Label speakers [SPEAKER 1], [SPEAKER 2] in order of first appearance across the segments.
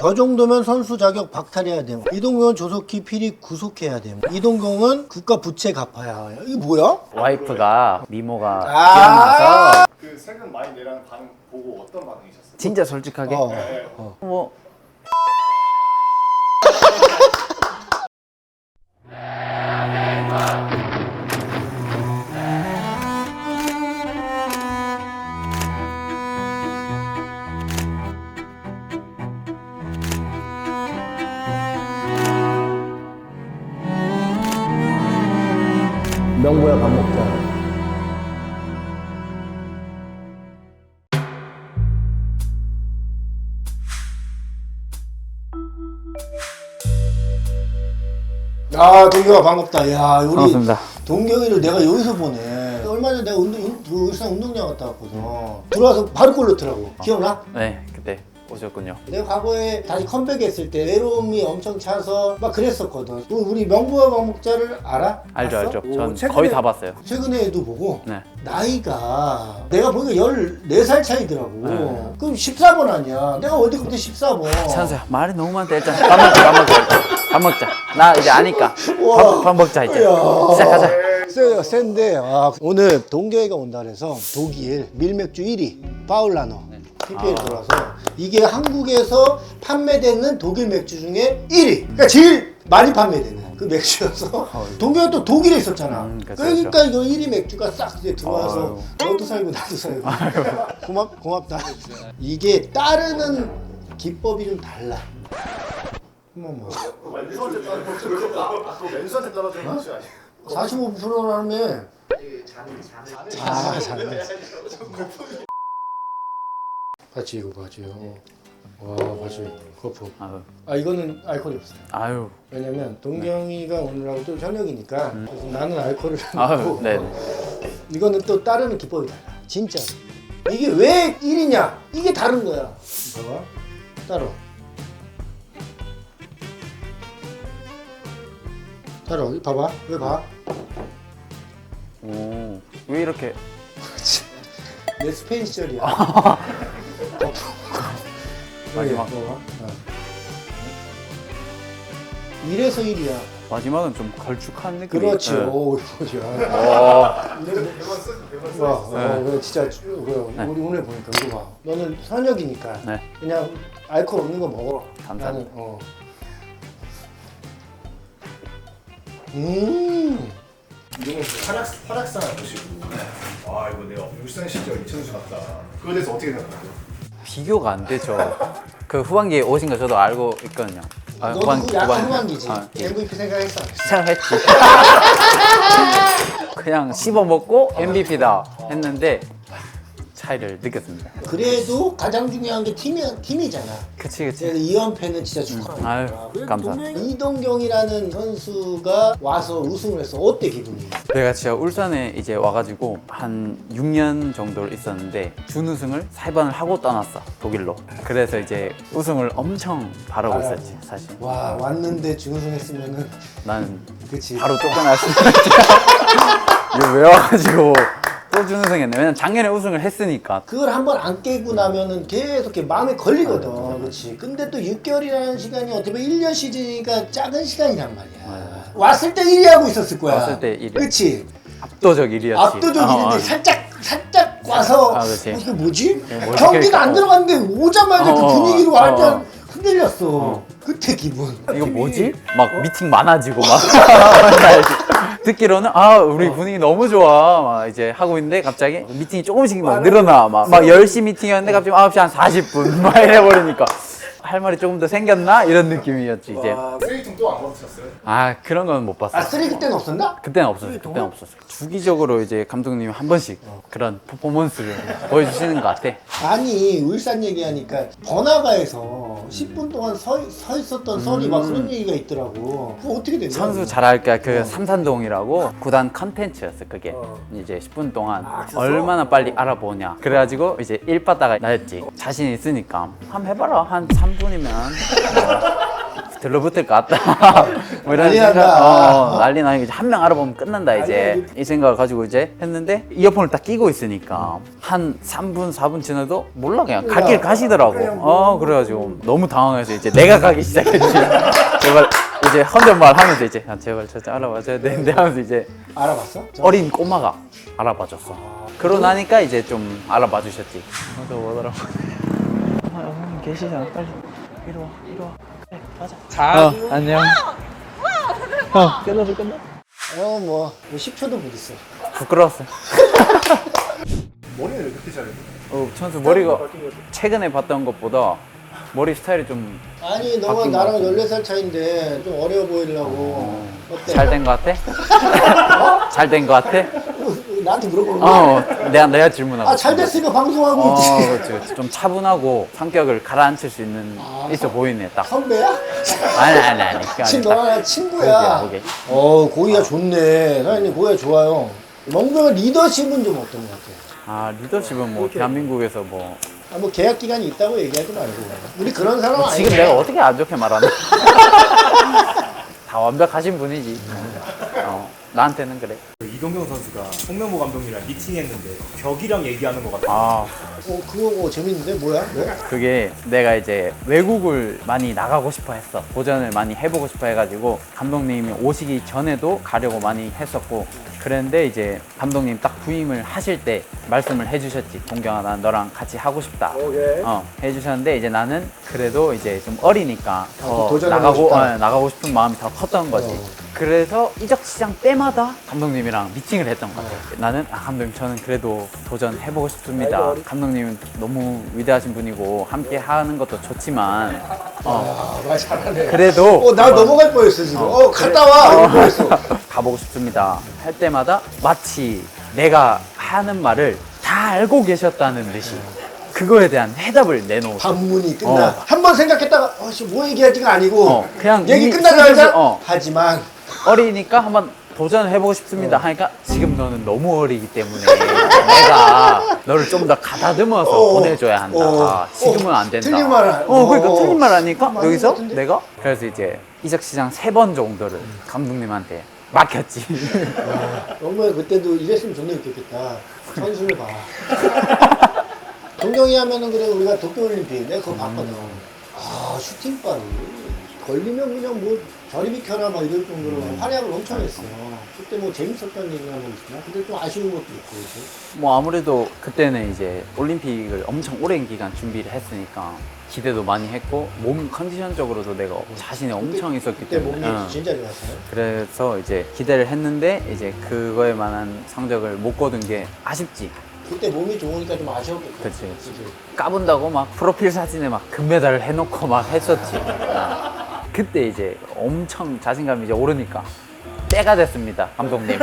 [SPEAKER 1] 저 정도면 선수 자격 박탈해야 돼. 이동경은 조속히 필히 구속해야 돼. 이동경은 국가 부채 갚아야 해. 이게 뭐야?
[SPEAKER 2] 와이프가 미모가
[SPEAKER 1] 아.
[SPEAKER 2] 기억나서
[SPEAKER 3] 그 세금 많이 내라는 반응 보고 어떤 반응이셨어요?
[SPEAKER 2] 진짜 솔직하게 뭐
[SPEAKER 1] 명보야 밥 먹자. 아, 동경아 반갑다. 야, 우리
[SPEAKER 2] 반갑습니다.
[SPEAKER 1] 동경이를 내가 여기서 보네. 얼마 전에 내가 그 울산 운동장 갔다 왔거든. 들어와서 바로 골 넣더라고. 기억나?
[SPEAKER 2] 네 그때 오셨군요.
[SPEAKER 1] 내가 과거에 다시 컴백했을 때 외로움이 엄청 차서 막 그랬었거든. 우리 명부와 방목자를 알아?
[SPEAKER 2] 알죠
[SPEAKER 1] 봤어?
[SPEAKER 2] 알죠.
[SPEAKER 1] 오,
[SPEAKER 2] 전
[SPEAKER 1] 최근에-
[SPEAKER 2] 거의 다 봤어요.
[SPEAKER 1] 최근에도 보고
[SPEAKER 2] 네.
[SPEAKER 1] 나이가 내가 보니까 14살 차이더라고.
[SPEAKER 2] 네.
[SPEAKER 1] 그럼 14번 아니야. 내가 어디부터 14번.
[SPEAKER 2] 찬수야 말이 너무 많다. 일단 밥 먹자 밥 먹자 일단. 밥 먹자. 나 이제 아니까 밥 먹자 이제. 시작하자.
[SPEAKER 1] 세요, 센데 오늘 동경이가 온다 그래서 독일 밀맥주 1위 파울라노 PPL 들어와서 이게 한국에서 판매되는 독일 맥주 중에 1위. 그러니까 제일 많이 판매되는 그 맥주여서 동경이 또 독일에 있었잖아.
[SPEAKER 2] 그쵸,
[SPEAKER 1] 그러니까 이거 1위 맥주가 싹 이제 들어와서
[SPEAKER 2] 아유.
[SPEAKER 1] 너도 살고 나도 살고 고맙다. 이게 따르는 기법이 좀 달라. 한번 뭐
[SPEAKER 3] 왼수한테 떨어져 왼수한테 떨어지는 맛이 아니에요.
[SPEAKER 1] 45%라며. 아, 잘해. 봤지, 이거 봤지요. 와, 봤지. 거품. 아, 이거는 알코올이 없어요.
[SPEAKER 2] 아유.
[SPEAKER 1] 왜냐면 동경이가 오늘하고 또 저녁이니까 그래서 나는 알코올을
[SPEAKER 2] 아유.
[SPEAKER 1] 먹고
[SPEAKER 2] 네.
[SPEAKER 1] 이거는 또 따르는 기법이 달라. 진짜. 이게 왜 1위냐? 이게 다른 거야. 봐봐. 따로. 따로. 봐봐. 왜 봐?
[SPEAKER 2] 오. 왜 이렇게
[SPEAKER 1] 내 스페인 시절이야.
[SPEAKER 2] 마지막.
[SPEAKER 1] 이래서 1위야.
[SPEAKER 2] 마지막은 좀 걸쭉한 느낌이.
[SPEAKER 1] 그렇지.
[SPEAKER 2] 네.
[SPEAKER 1] 오, 이거지. 와, 그래, 진짜 그래. 우리 오늘 보니까 이거 봐. 너는 선역이니까
[SPEAKER 2] 네.
[SPEAKER 1] 그냥 알코올 없는 거 먹어.
[SPEAKER 2] 감사합니다.
[SPEAKER 1] 나는,
[SPEAKER 3] 이거는 활약상 보시고 아 이거 내가 울산 시절 이천수 같다. 그거에 대해서 어떻게 생각하세요?
[SPEAKER 2] 비교가 안 되죠. 그 후반기에 오신 거 저도 알고 있거든요. 아,
[SPEAKER 1] 너도 그 약간 후반기지. MVP 생각했어.
[SPEAKER 2] 생각했지. 그냥 씹어 먹고 MVP다 했는데 차이를 느꼈습니다.
[SPEAKER 1] 그래도 가장 중요한 게 팀이잖아.
[SPEAKER 2] 그치 그치.
[SPEAKER 1] 그래서 2연패는 진짜 축하한다.
[SPEAKER 2] 아유 감사합니다.
[SPEAKER 1] 이동경이라는 선수가 와서 우승을 했어. 어때 기분이?
[SPEAKER 2] 내가 진짜 울산에 이제 와가지고 한 6년 정도 있었는데 준우승을 3번을 하고 떠났어 독일로. 그래서 이제 우승을 엄청 바라고 있었지 사실.
[SPEAKER 1] 와, 왔는데 준우승했으면은
[SPEAKER 2] 나는
[SPEAKER 1] 그치.
[SPEAKER 2] 바로 쫓겨났을 이거 왜 와가지고 또 준우승했네. 왜냐면 작년에 우승을 했으니까.
[SPEAKER 1] 그걸 한번 안 깨고 나면은 계속 이렇게 마음에 걸리거든. 그렇지. 근데 또 6개월이라는 시간이 어떻게 보면 1년 시즌이니까 작은 시간이란 말이야. 왔을 때 1위 하고 있었을 거야.
[SPEAKER 2] 왔을 때 1위.
[SPEAKER 1] 그렇지.
[SPEAKER 2] 압도적 1위였지.
[SPEAKER 1] 압도적 1위인데 살짝 와서
[SPEAKER 2] 그렇지.
[SPEAKER 1] 이게 뭐지?
[SPEAKER 2] 뭐
[SPEAKER 1] 경기가
[SPEAKER 2] 시킬까?
[SPEAKER 1] 안 들어갔는데 오자마자 그 분위기로 완전 흔들렸어.
[SPEAKER 2] 어.
[SPEAKER 1] 그때 기분.
[SPEAKER 2] 이거 뭐지? 막 미팅 많아지고 막 듣기로는 우리 분위기 너무 좋아 막 이제 하고 있는데 갑자기 미팅이 조금씩 막 늘어나 막 10시 미팅이었는데 갑자기 9시 한 40분 막 이래버리니까 할 말이 조금 더 생겼나? 이런 느낌이었지 이제.
[SPEAKER 3] 쓰레기통 또 안 받으셨어요?
[SPEAKER 2] 그런 건 못 봤어.
[SPEAKER 1] 쓰레기 때는 없었나?
[SPEAKER 2] 그때는 없었어요. 그때는 없었어요. 주기적으로 이제 감독님이 한 번씩 그런 퍼포먼스를 보여주시는 것 같아.
[SPEAKER 1] 아니, 울산 얘기하니까 번화가에서 10분 동안 서 있었던 썰이 막 그런 얘기가 있더라고. 그거 어떻게 된 거야?
[SPEAKER 2] 선수 잘 알까 그 삼산동이라고 구단 컨텐츠였어 그게. 이제 10분 동안 얼마나 빨리 알아보냐. 그래가지고 이제 일바다가 나였지. 자신 있으니까 한번 해봐라. 한 3분이면 들러붙을 것 같다. 뭐 이런
[SPEAKER 1] 난리
[SPEAKER 2] 생각,
[SPEAKER 1] 난다.
[SPEAKER 2] 난리 나니까 한 명 알아보면 끝난다 이제 이 생각을 가지고 이제 했는데 이어폰을 딱 끼고 있으니까 한 3분 4분 지나도 몰라 그냥 갈 길 가시더라고. 그래가지고 너무 당황해서 이제 내가 가기 시작했지. 제발 이제 혼잣말 하면서 이제 제발 저 알아봐줘야 되는데 하면서 이제
[SPEAKER 1] 알아봤어?
[SPEAKER 2] 어린 꼬마가 알아봐줬어. 그러고 나니까 이제 좀 알아봐 주셨지. 또 뭐더라고. 어머님 계시잖아. 빨리 이리 와, 이리 와. 그래, 가자. 안녕. 끝났어, 끝났어.
[SPEAKER 1] 뭐 10초도 못 있어.
[SPEAKER 2] 부끄러웠어.
[SPEAKER 3] 머리는 왜 그렇게 잘해?
[SPEAKER 2] 천수 머리가 최근에 봤던 것보다 머리 스타일이 좀
[SPEAKER 1] 아니 너가
[SPEAKER 2] 바뀐 것
[SPEAKER 1] 나랑
[SPEAKER 2] 같은데.
[SPEAKER 1] 14살 차인데 좀 어려 보이려고. 어때?
[SPEAKER 2] 잘 된 것 같아? 잘 된 것 같아?
[SPEAKER 1] 나한테 물어보는 거야?
[SPEAKER 2] 내가 질문하고.
[SPEAKER 1] 아, 잘 됐으니까 방송하고 있지.
[SPEAKER 2] 그렇지, 그렇지. 좀 차분하고 성격을 가라앉힐 수 있는 있어 보이네 딱.
[SPEAKER 1] 선배야?
[SPEAKER 2] 아니. 그게
[SPEAKER 1] 지금
[SPEAKER 2] 아니라
[SPEAKER 1] 너랑 친구야.
[SPEAKER 2] 오케이.
[SPEAKER 1] 고기가 좋네. 사장님 고기가 좋아요. 멍병의 리더십은 좀 어떤 것 같아?
[SPEAKER 2] 리더십은 뭐 대한민국에서 뭐
[SPEAKER 1] 뭐 계약 기간이 있다고 얘기하지 말고. 우리 그런 사람 아니야.
[SPEAKER 2] 지금 내가 어떻게 안 좋게 말하나? 다 완벽하신 분이지. 나한테는 그래.
[SPEAKER 4] 이동경 선수가 홍명보 감독님이랑 미팅했는데 벽이랑 얘기하는 것 같아요.
[SPEAKER 1] 그거 재밌는데 뭐야? 왜?
[SPEAKER 2] 그게 내가 이제 외국을 많이 나가고 싶어 했어. 도전을 많이 해보고 싶어 해가지고 감독님이 오시기 전에도 가려고 많이 했었고 그랬는데 이제 감독님 딱 부임을 하실 때 말씀을 해주셨지. 동경아, 난 너랑 같이 하고 싶다.
[SPEAKER 1] 오케이.
[SPEAKER 2] 해주셨는데 이제 나는 그래도 이제 좀 어리니까 더
[SPEAKER 1] 도전하고 싶다.
[SPEAKER 2] 나가고 싶은 마음이 더 컸던 거지. 그래서 이적 시장 때마다 감독님이랑 미팅을 했던 것 같아요. 나는 감독님 저는 그래도 도전해보고 싶습니다. 감독님은 너무 위대하신 분이고 함께 하는 것도 좋지만
[SPEAKER 1] 말 잘하네.
[SPEAKER 2] 그래도
[SPEAKER 1] 나 넘어갈 뻔했어 지금. 갔다 와. 이럴 뻔했어.
[SPEAKER 2] 가보고 싶습니다 할 때마다 마치 내가 하는 말을 다 알고 계셨다는 듯이 그거에 대한 해답을 내놓고
[SPEAKER 1] 반문이 끝나. 한 번 생각했다가 뭐 얘기할지가 아니고
[SPEAKER 2] 그냥
[SPEAKER 1] 얘기
[SPEAKER 2] 이
[SPEAKER 1] 끝나자마자
[SPEAKER 2] 슬슬,
[SPEAKER 1] 하지만
[SPEAKER 2] 어리니까 한번 도전해보고 싶습니다 하니까 지금 너는 너무 어리기 때문에 내가 너를 좀 더 가다듬어서 보내줘야 한다. 지금은 안 된다.
[SPEAKER 1] 틀린 말 안-
[SPEAKER 2] 그러니까 틀린 말 하니까
[SPEAKER 1] 맞는
[SPEAKER 2] 여기서
[SPEAKER 1] 것 같은데?
[SPEAKER 2] 내가 그래서 이제 이적시장 3번 정도를 감독님한테 맡겼지.
[SPEAKER 1] 정말 그때도 이랬으면 존나 웃겼겠다. 선수를 봐. 동경이 하면은 그래 우리가 도쿄올림픽 내가 그거 봤거든. 슈팅발이 걸리면 그냥 뭐 저리 비켜라 막 이럴 정도로 활약을 엄청 했어. 그때 뭐 재밌었던 얘기가 뭐 있나? 근데 좀 아쉬운 것도 있고 그치?
[SPEAKER 2] 뭐 아무래도 그때는 이제 올림픽을 엄청 오랜 기간 준비를 했으니까 기대도 많이 했고 몸 컨디션적으로도 내가 자신이 엄청 있었기
[SPEAKER 1] 그때
[SPEAKER 2] 때문에
[SPEAKER 1] 몸이 진짜 좋았어요.
[SPEAKER 2] 그래서 이제 기대를 했는데 이제 그거에 만한 성적을 못 거둔 게 아쉽지.
[SPEAKER 1] 그때 몸이 좋으니까 좀 아쉬웠겠다.
[SPEAKER 2] 그치. 까분다고 막 프로필 사진에 막 금메달을 해놓고 막 했었지. 그때 이제 엄청 자신감이 이제 오르니까 때가 됐습니다, 감독님.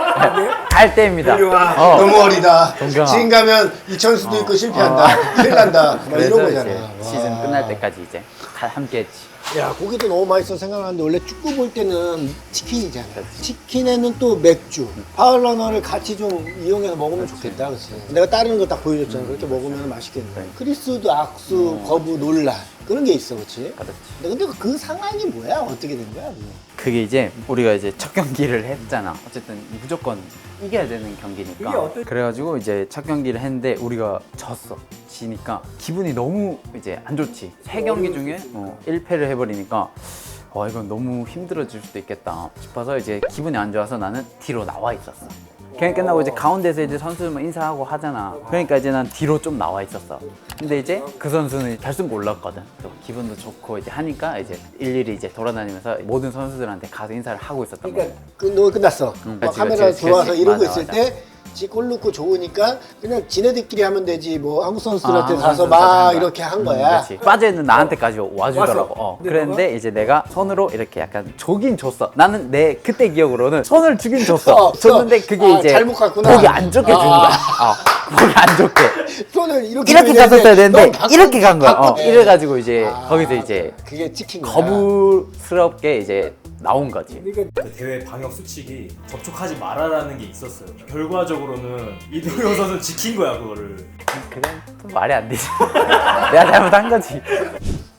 [SPEAKER 2] 갈 때입니다.
[SPEAKER 1] 너무 어리다.
[SPEAKER 2] 동경아.
[SPEAKER 1] 지금 가면 이천수도 있고 실패한다. 큰일 난다. 막 이런
[SPEAKER 2] 그래서
[SPEAKER 1] 거잖아.
[SPEAKER 2] 이제 시즌 끝날 때까지 이제 함께했지.
[SPEAKER 1] 야, 고기도 너무 맛있어 생각하는데 원래 축구 볼 때는 치킨이잖아. 치킨에는 또 맥주, 파울러너를 같이 좀 이용해서 먹으면 좋겠다, 그렇지? 내가 다른 거 딱 보여줬잖아. 그렇게 먹으면 맛있겠네. 크리스도 악수, 거부, 논란 그런 게 있어, 그렇지?
[SPEAKER 2] 그렇지.
[SPEAKER 1] 근데 그 상황이 뭐야? 어떻게 된 거야? 그거?
[SPEAKER 2] 그게 이제 우리가 이제 첫 경기를 했잖아. 어쨌든 무조건 이겨야 되는 경기니까. 그래가지고 이제 첫 경기를 했는데 우리가 졌어. 지니까 기분이 너무 이제 안 좋지. 3경기 중에 1패를 해버리니까 이건 너무 힘들어질 수도 있겠다 싶어서 이제 기분이 안 좋아서 나는 뒤로 나와 있었어. 경기 끝나고 이제 가운데서 이제 선수들만 인사하고 하잖아. 그러니까 이제 난 뒤로 좀 나와 있었어. 근데 이제 그 선수는 결승 올랐거든. 또 기분도 좋고 이제 하니까 이제 일일이 이제 돌아다니면서 모든 선수들한테 가서 인사를 하고 있었던 거야.
[SPEAKER 1] 그러니까 너 끝났어. 막
[SPEAKER 2] 그치,
[SPEAKER 1] 카메라
[SPEAKER 2] 그치,
[SPEAKER 1] 들어와서
[SPEAKER 2] 그치.
[SPEAKER 1] 이러고
[SPEAKER 2] 맞아,
[SPEAKER 1] 있을
[SPEAKER 2] 맞아.
[SPEAKER 1] 때 골 넣고 좋으니까 그냥 지네들끼리 하면 되지 뭐 한국 선수들한테
[SPEAKER 2] 한국
[SPEAKER 1] 가서
[SPEAKER 2] 선수들한테
[SPEAKER 1] 막
[SPEAKER 2] 한 거야.
[SPEAKER 1] 이렇게 한 거야.
[SPEAKER 2] 그렇지. 빠져있는 나한테까지 와주더라고. 그랬는데 이제 내가 손으로 이렇게 약간 조긴 줬어. 나는 내 그때 기억으로는 손을 주긴 줬어. 줬는데 그게 이제
[SPEAKER 1] 잘못 갔구나.
[SPEAKER 2] 보기 안 좋게 준 거야. 보기 안 좋게.
[SPEAKER 1] 손을 이렇게
[SPEAKER 2] 이렇게 갔었어야 되는데
[SPEAKER 1] 넌 바꿔-
[SPEAKER 2] 이렇게 간 거야.
[SPEAKER 1] 바꿔-
[SPEAKER 2] 이래가지고 이제 거기서 이제
[SPEAKER 1] 그게 찍힌 거야.
[SPEAKER 2] 거부스럽게 이제 나온 거지.
[SPEAKER 4] 그 대회 방역 수칙이 접촉하지 말아라는 게 있었어요. 결과적으로는 이동경 선수는 지킨 거야 그거를.
[SPEAKER 2] 그건 또 말이 안 되지. 내가 잘못한 거지.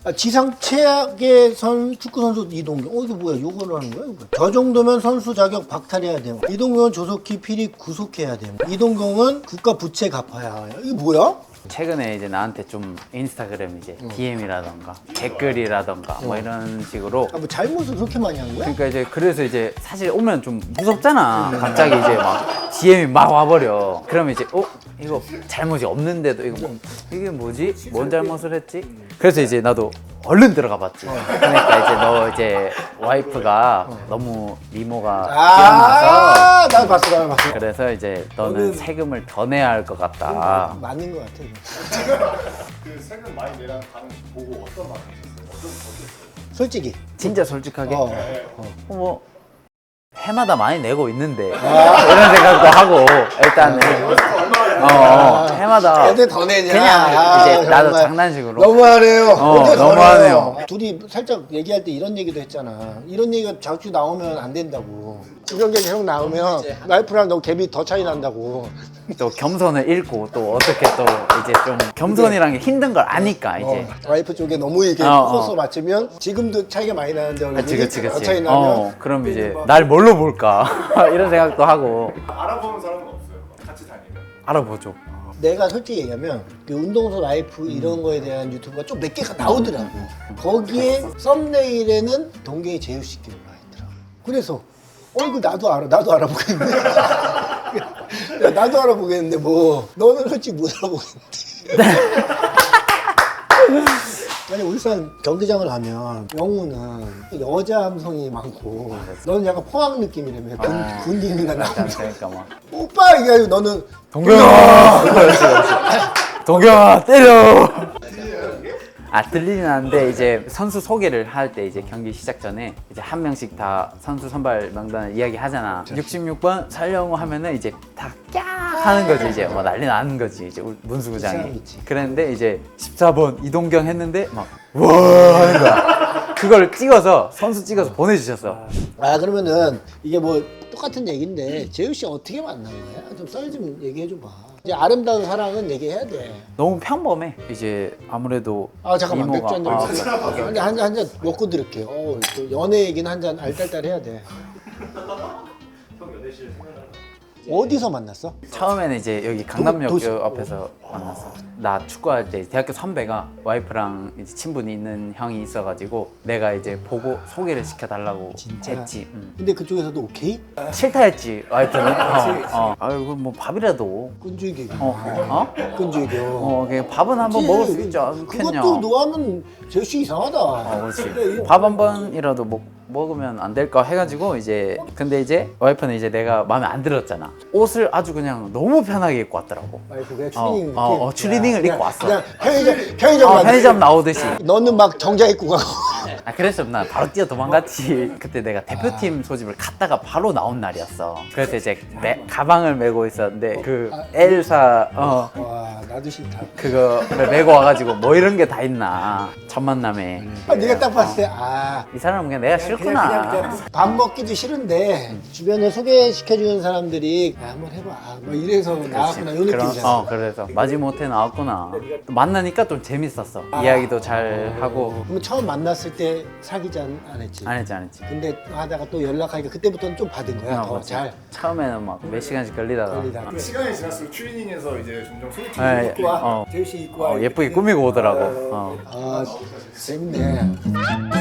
[SPEAKER 1] 지상 최악의 축구 선수 이동경. 이게 뭐야? 요거를 하는 거야? 이거. 저 정도면 선수 자격 박탈해야 돼요. 이동경은 조속히 필히 구속해야 돼요. 이동경은 국가 부채 갚아야 해요. 이게 뭐야?
[SPEAKER 2] 최근에 이제 나한테 좀 인스타그램 이제 DM이라던가 댓글이라던가 뭐 이런 식으로
[SPEAKER 1] 뭐 잘못을 그렇게 많이 한 거야?
[SPEAKER 2] 그러니까 이제 그래서 이제 사실 오면 좀 무섭잖아. 갑자기 이제 막 DM이 막 와버려. 그러면 이제 이거 잘못이 없는데도 이게 뭐지? 뭔 잘못을 했지? 그래서 이제 나도 얼른 들어가 봤지. 그러니까 이제 너 이제 와이프가 너무 미모가 뛰어나서
[SPEAKER 1] 난 봤어.
[SPEAKER 2] 그래서 이제 너는 세금을 더 내야 할 것 같다.
[SPEAKER 1] 맞는 것 같아.
[SPEAKER 3] 그 세금 많이 내라는 반응 보고 어떤 반응이셨어요? 어땠어요?
[SPEAKER 1] 솔직히.
[SPEAKER 2] 진짜 솔직하게
[SPEAKER 1] 어.
[SPEAKER 2] 뭐 해마다 많이 내고 있는데 이런 생각도 하고 일단은 해마다
[SPEAKER 1] 애들 더 내냐?
[SPEAKER 2] 그냥 이제 나도
[SPEAKER 1] 정말.
[SPEAKER 2] 장난식으로
[SPEAKER 1] 너무하네요. 애들 더
[SPEAKER 2] 너무하네요.
[SPEAKER 1] 내요. 둘이 살짝 얘기할 때 이런 얘기도 했잖아. 이런 얘기가 자주 나오면 안 된다고. 이런 게 계속 나오면 와이프랑 너 갭이 더 차이 난다고.
[SPEAKER 2] 또 겸손을 잃고 또 어떻게 또 이제 좀 겸손이란 게 힘든 걸 아니까 이제
[SPEAKER 1] 와이프 쪽에 너무 이렇게 코스 맞추면 지금도 차이가 많이 나는데 얼굴이
[SPEAKER 2] 그치
[SPEAKER 1] 더 차이 나면
[SPEAKER 2] 그럼 이제 날 뭘로 볼까 이런 생각도 하고
[SPEAKER 3] 알아보는 사람은 없어요? 같이 다니면?
[SPEAKER 2] 알아보죠.
[SPEAKER 1] 내가 솔직히 얘기하면 그 운동선 라이프 이런 거에 대한 유튜브가 좀 몇 개가 나오더라고. 거기에 썸네일에는 동계의 제휴씨 께 올라와 있더라고. 그래서 이거 나도 알아보겠는데. 야, 나도 알아보겠는데 뭐 너는 솔직히 못 알아보겠는데. 아니 울산 경기장을 가면 영우는 여자 함성이 많고 너는 약간 포항 느낌이라며 군인이나 남성.
[SPEAKER 2] 그러니까 막
[SPEAKER 1] 오빠 이게 아니고 너는
[SPEAKER 2] 동경아 동경아 때려. 들리진 않는데 이제 선수 소개를 할 때 이제 경기 시작 전에 이제 한 명씩 다 선수 선발 명단을 이야기하잖아. 66번 설영우 하면은 이제 다 깍 하는 거지. 이제 뭐 난리 나는 거지. 이제 문수구장이. 그랬는데 이제 14번 이동경 했는데 막 와 하는 거야. 그걸 찍어서 선수 찍어서 보내주셨어.
[SPEAKER 1] 그러면은 이게 뭐 똑같은 얘기인데 재우 씨 어떻게 만난 거야? 좀 썰 좀 얘기해 줘봐. 이제 아름다운 사랑은 얘기해야 돼.
[SPEAKER 2] 너무 평범해. 이제 아무래도
[SPEAKER 1] 잠깐만 맥주
[SPEAKER 2] 이모가
[SPEAKER 1] 한잔 먹고 들을게. 또 연애 얘기는 한 잔 알딸딸 해야 돼. 어디서 만났어?
[SPEAKER 2] 처음에는 이제 여기 강남역
[SPEAKER 1] 도시-
[SPEAKER 2] 앞에서 만났어. 나 축구할 때 대학교 선배가 와이프랑 이제 친분이 있는 형이 있어가지고 내가 이제 보고 소개를 시켜달라고 했지.
[SPEAKER 1] 근데 그쪽에서도 오케이?
[SPEAKER 2] 싫다 했지 와이프는. 아이고 뭐 밥이라도.
[SPEAKER 1] 끈질기고.
[SPEAKER 2] 끈질겨. 그냥 밥은 한번 먹을 수 있지 않겠냐.
[SPEAKER 1] 그것도 너 하면 재우 씨 이상하다.
[SPEAKER 2] 그렇지. 밥 한 번이라도 먹으면 안 될까 해가지고 이제 근데 이제 와이프는 이제 내가 마음에 안 들었잖아. 옷을 아주 그냥 너무 편하게 입고 왔더라고.
[SPEAKER 1] 와이프가 추리닝
[SPEAKER 2] 추리닝을 입고 왔어.
[SPEAKER 1] 그냥 편의점
[SPEAKER 2] 편의점 나오듯이.
[SPEAKER 1] 너는 막 정장 입고 가고.
[SPEAKER 2] 그래서 나 바로 뛰어 도망갔지. 그때 내가 대표팀 소집을 갔다가 바로 나온 날이었어. 그래서 이제 가방을 메고 있었는데 그 엘사
[SPEAKER 1] 와 나도 싫다.
[SPEAKER 2] 그거를 메고 와가지고 뭐 이런 게 다 있나 첫 만남에.
[SPEAKER 1] 네가 딱 봤을 때
[SPEAKER 2] 이 사람은 그냥 내가 싫구나.
[SPEAKER 1] 밥 먹기도 싫은데 주변에 소개시켜주는 사람들이 한번 해봐 뭐 이래서 나왔구나 이 느낌이잖아.
[SPEAKER 2] 그래서 마지못해 나왔구나. 또 만나니까 좀 재밌었어. 이야기도 잘 하고.
[SPEAKER 1] 그럼 처음 만났을 때 사귀지 안 했지?
[SPEAKER 2] 안 했지.
[SPEAKER 1] 근데 하다가 또 연락하니까 그때부터는 좀 받은 거야 더
[SPEAKER 2] 맞아.
[SPEAKER 1] 잘
[SPEAKER 2] 처음에는 막 몇 시간씩 걸리다가
[SPEAKER 1] 걸리다가.
[SPEAKER 3] 시간이 지날수록 추리닝에서 이제 점점 소개팅
[SPEAKER 2] 네,
[SPEAKER 1] 입고 와 재우 씨 입고 와
[SPEAKER 2] 예쁘게 꾸미고 오더라고.
[SPEAKER 1] 재밌네.